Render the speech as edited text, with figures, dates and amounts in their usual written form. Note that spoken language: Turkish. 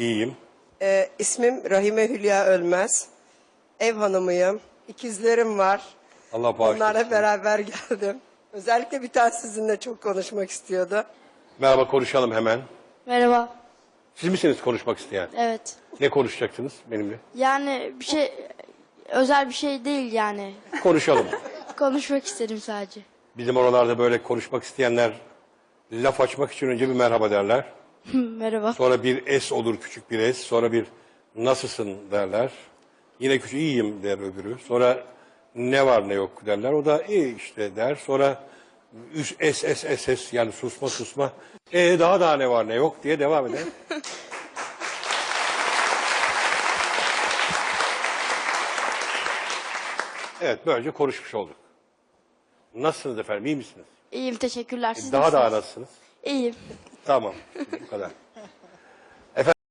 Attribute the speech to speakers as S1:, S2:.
S1: İyiyim.
S2: İsmim Rahime Hülya Ölmez. Ev hanımıyım. İkizlerim var.
S1: Allah bağışlasın.
S2: Onlarla beraber geldim. Özellikle bir tanesi sizinle çok konuşmak istiyordu.
S1: Merhaba, konuşalım hemen.
S3: Merhaba.
S1: Siz misiniz konuşmak isteyen?
S3: Evet.
S1: Ne konuşacaksınız benimle?
S3: Yani bir şey özel bir şey değil yani.
S1: Konuşalım.
S3: Konuşmak istedim sadece.
S1: Bizim oralarda böyle konuşmak isteyenler laf açmak için önce bir merhaba derler.
S3: Merhaba.
S1: Sonra bir es olur, küçük bir es. Sonra bir nasılsın derler. Yine küçük iyiyim der öbürü. Sonra ne var ne yok derler. O da iyi işte der. Sonra es yani susma. Daha ne var ne yok diye devam eder. Evet, böylece konuşmuş olduk. Nasılsınız efendim, iyi misiniz?
S3: İyiyim, teşekkürler. Siz
S1: Daha
S3: nasılsınız?
S1: nasılsınız?
S3: İyiyim.
S1: Tamam, bu kadar.